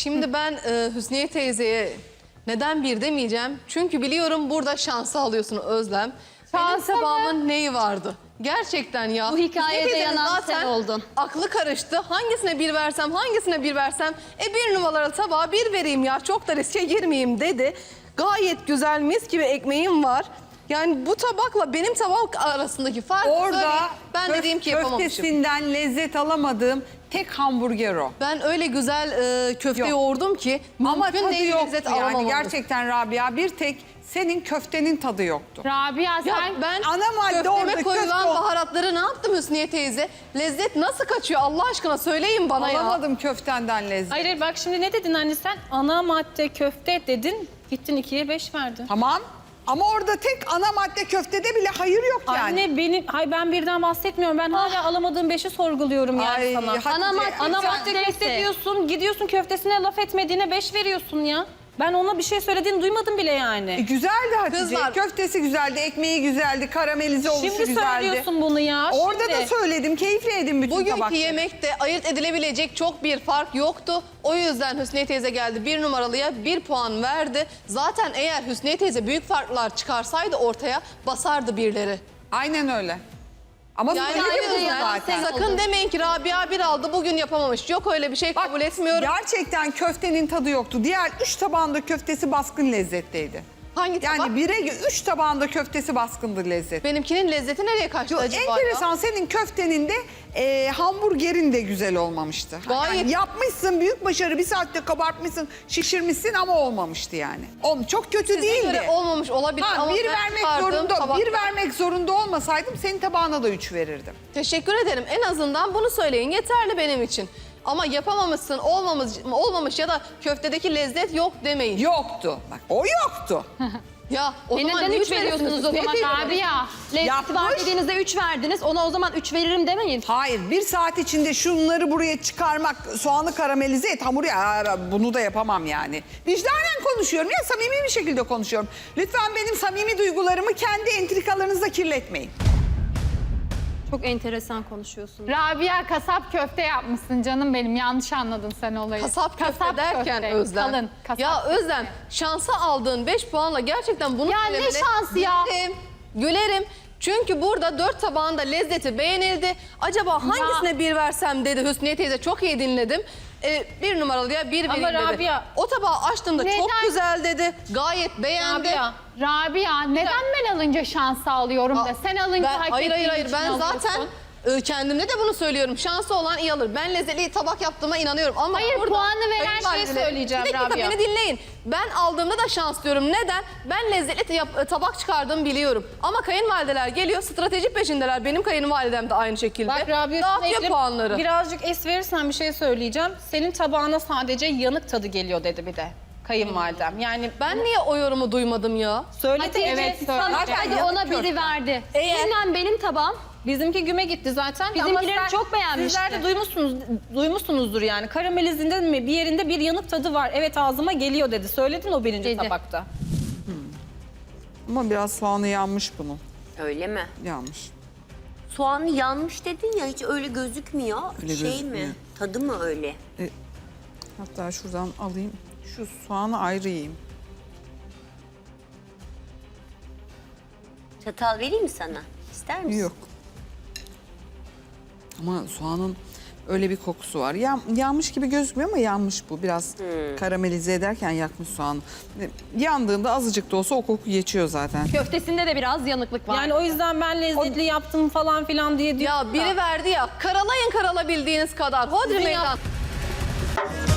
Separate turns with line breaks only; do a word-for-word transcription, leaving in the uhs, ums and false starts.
Şimdi ben e, Hüsniye teyzeye neden bir demeyeceğim. Çünkü biliyorum burada şansı alıyorsun Özlem.
Şansa
Benim
mı?
tabağımın neyi vardı? Gerçekten ya.
Bu hikayede
Hüsniye teyzenin
yanan
zaten
sen oldun.
aklı karıştı. Hangisine bir versem, hangisine bir versem. E bir numaralı tabağa bir vereyim ya. Çok da riske girmeyeyim dedi. Gayet güzel mis gibi ekmeğim var. Yani bu tabakla benim tabak arasındaki fark
Orada
ben
köf-
dediğim ki yapamamışım.
köftesinden lezzet alamadığım tek hamburger o.
Ben öyle güzel e, köfte
Yok.
yoğurdum ki
Ama
mümkün
tadı
değil
yoktu
lezzet
yani.
alamamadım.
Gerçekten Rabia, bir tek senin köftenin tadı yoktu.
Rabia
Ya
sen
ben
Ana madde orada,
köfteme koyulan
köfte o.
baharatları ne yaptım Hüsniye teyze? Lezzet nasıl kaçıyor Allah aşkına söyleyin bana ya.
Alamadım köftenden lezzet.
hayır, hayır bak şimdi ne dedin anne sen? Ana madde köfte dedin. Gittin ikiye beş verdin.
Tamam. Ama orada tek ana madde köftede bile hayır yok yani.
Anne benim, hay ben birden bahsetmiyorum. Ben hala alamadığım beşi sorguluyorum yani
Ay,
sana.
Hatice,
Ana madde-
Ana
sen-
madde köfte diyorsun, gidiyorsun köftesine laf etmediğine beş veriyorsun ya. Ben ona bir şey söylediğini duymadım bile
E,
yani.
güzeldi Hatice.
Kızlar-
Köftesi güzeldi, ekmeği güzeldi, karamelize oluşu
Şimdi
güzeldi.
söylüyorsun bunu ya.
Orada
şimdi.
da söyledim, keyifle yedim bütün
Bugünkü
tabakları.
yemekte ayırt edilebilecek çok bir fark yoktu. O yüzden Hüsniye teyze geldi bir numaralıya bir puan verdi. Zaten eğer Hüsniye teyze büyük farklar çıkarsaydı ortaya basardı birleri.
Aynen öyle. Ama
Yani
öyle
o
bir
yüzden
zaten.
sakın demeyin ki Rabia bir aldı bugün yapamamış. Yok öyle bir şey
Bak,
kabul etmiyorum.
gerçekten köftenin tadı yoktu. Diğer üç tabağında köftesi baskın lezzetteydi.
Hangi tabak?
Yani bire üç tabağında köftesi baskındı lezzet.
Benimkinin lezzeti nereye kaçtı
Yo,
acaba
enteresan,
ya?
senin köftenin de e, hamburgerin de güzel olmamıştı.
Gayet-
Yani yapmışsın, büyük başarı, bir saatte kabartmışsın, şişirmişsin ama olmamıştı yani. Oğlum, çok kötü
Size
değildi.
göre olmamış olabilir
Ha,
ama
bir
ben
vermek
çıkardığım
zorunda,
tabakta-
bir vermek zorunda olmasaydım senin tabağına da üç verirdim.
Teşekkür ederim. En azından bunu söyleyin. Yeterli benim için. Ama yapamamışsın, olmamış, olmamış ya da köftedeki lezzet yok demeyin.
Yoktu. Bak, o yoktu.
Ya o
E
zaman
neden
ne
üç veriyorsunuz o zaman? Rabia. Lezzeti var
Yapmış.
dediğinizde üç verdiniz. Ona o zaman üç veririm demeyin.
Hayır, bir saat içinde şunları buraya çıkarmak, soğanı karamelize et, hamuru ya, bunu da yapamam yani. Vicdanen konuşuyorum ya, samimi bir şekilde konuşuyorum. Lütfen benim samimi duygularımı kendi entrikalarınızla kirletmeyin.
Çok enteresan konuşuyorsun.
Rabia kasap köfte yapmışsın canım benim. Yanlış anladın sen olayı.
Kasap köfte derken
köfte,
Özlem.
Kalın kasap.
Ya Özlem şansa aldığın beş puanla gerçekten bunu
Ya ne
söylemene
şansı ya?
gülerim, gülerim. Çünkü burada dört tabağında lezzeti beğenildi. Acaba hangisine bir versem dedi Hüsniye teyze, çok iyi dinledim. Ee, bir numaralıya bir
Ama
vereyim dedi.
Rabia-
O tabağı açtığımda çok
Neden?
güzel dedi. Gayet beğendi.
Rabia, Rabia neden ben alınca şansı alıyorum da sen alınca
Ben-
hak
hayır hayır
ettiğin
hayır
için
ben
alıyorsun?
zaten e, kendimde de bunu söylüyorum. Şansı olan iyi alır. Ben lezzetli tabak yaptığıma inanıyorum. Ama
Hayır,
burada
puanı veren
kayınvalideler-
şeyi söyleyeceğim
Bir dakika
Rabia.
beni dinleyin. Ben aldığımda da şans diyorum. Neden? Ben lezzetli yap- tabak çıkardığımı biliyorum. Ama kayınvalideler geliyor, strateji peşindeler. Benim kayınvalidem de aynı şekilde.
Bak Rabia,
Dağıtıyor
üstüne
puanları.
birazcık es verirsen bir şey söyleyeceğim. Senin tabağına sadece yanık tadı geliyor dedi bir de kayınvalidem. Yani
Ben niye o yorumu duymadım ya?
söyledi,
Hatice,
evet
sana
söyledi.
hadi ona biri verdi.
Eğer-
Seninle benim tabağım.
Bizimki güme gitti zaten.
Bizimkileri
Ama sen-
çok beğenmişti.
Sizler de duymuşsunuz, duymuşsunuzdur yani. Karamelizinde mi bir yerinde bir yanık tadı var. Evet ağzıma geliyor dedi. Söyledin o birinci
Dedi.
tabakta.
Ama biraz soğanı yanmış bunun.
Öyle mi?
Yanmış.
Soğanı yanmış dedin ya, hiç öyle gözükmüyor.
Öyle
şey
gözükmüyor.
mi? Tadı mı öyle?
Hatta şuradan alayım. Şu soğanı ayrı yiyeyim.
Çatal vereyim mi sana? İster misin?
Yok. Ama soğanın öyle bir kokusu var. Yan, yanmış gibi gözükmüyor ama yanmış bu. Biraz karamelize ederken yakmış soğanı. Yandığında azıcık da olsa o koku geçiyor zaten.
Köftesinde de biraz yanıklık var.
Yani o yüzden ben lezzetli yaptım falan filan diye diyorum
Ya biri
da.
verdi ya, karalayın karalabildiğiniz kadar. Hodri
Sizin
meydan.